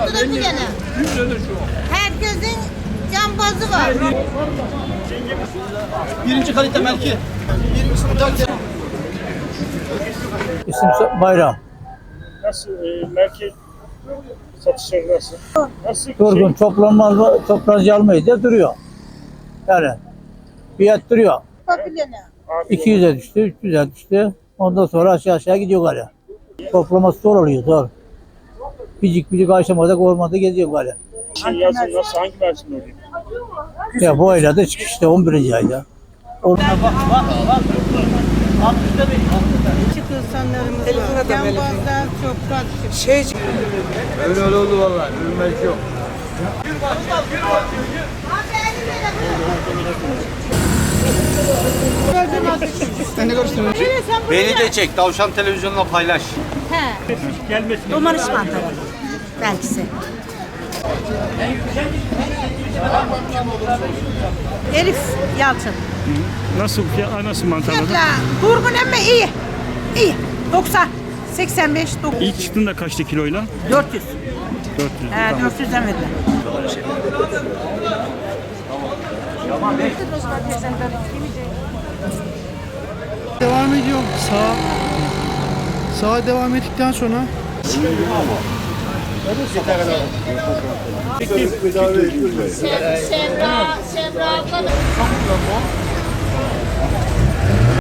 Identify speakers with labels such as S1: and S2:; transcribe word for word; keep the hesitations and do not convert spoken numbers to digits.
S1: lira bu gene.
S2: yüz lira şu.
S1: Herkesin cambazı var.
S3: Birinci kalite melki. Birinci
S4: İsim Bayram.
S2: Nasıl e, merkez satışları nasıl? Nasıl
S4: Durgun
S2: şey?
S4: toplanmaz, toplanıcı almayız diye duruyor. Yani fiyat duruyor.
S1: Fasulye ne?
S4: iki yüze düştü, üç yüze düştü. Ondan sonra aşağı aşağı gidiyor galiba. Toplaması zor oluyor, zor. Bicik bicik aşamada ormanda geziyor galiba.
S2: Şey yazın nasıl? Hangi mevsim oluyor?
S4: Ya bu ayda da işte on birinci ayda. Orada bak bak bak. altmışta benim.
S1: Küçük insanlarımız var. Cambazlar çok karışık.
S3: Şey. Öyle öyle oldu vallahi. Ürünmek yok. Sen ne görüyorsun? Beni de çek. Tavşan televizyonla paylaş.
S1: He.
S2: Gelmesin.
S1: Domates mantarı. Belkisi. Elif Yalçın.
S2: Nasıl fiyat? Nasıl mantarladı?
S1: Fiyatla durgun ama iyi. İyi. doksan, seksen beş, dokuz.
S2: İlk çıktığında kaçtı kiloyla?
S1: dört yüz.
S2: dört yüz.
S1: He,
S2: Tamam.
S1: dört yüzden verdiler.
S5: Devam ediyorum. Sağa sağa devam ettikten sonra
S1: Semra, Semra abla da.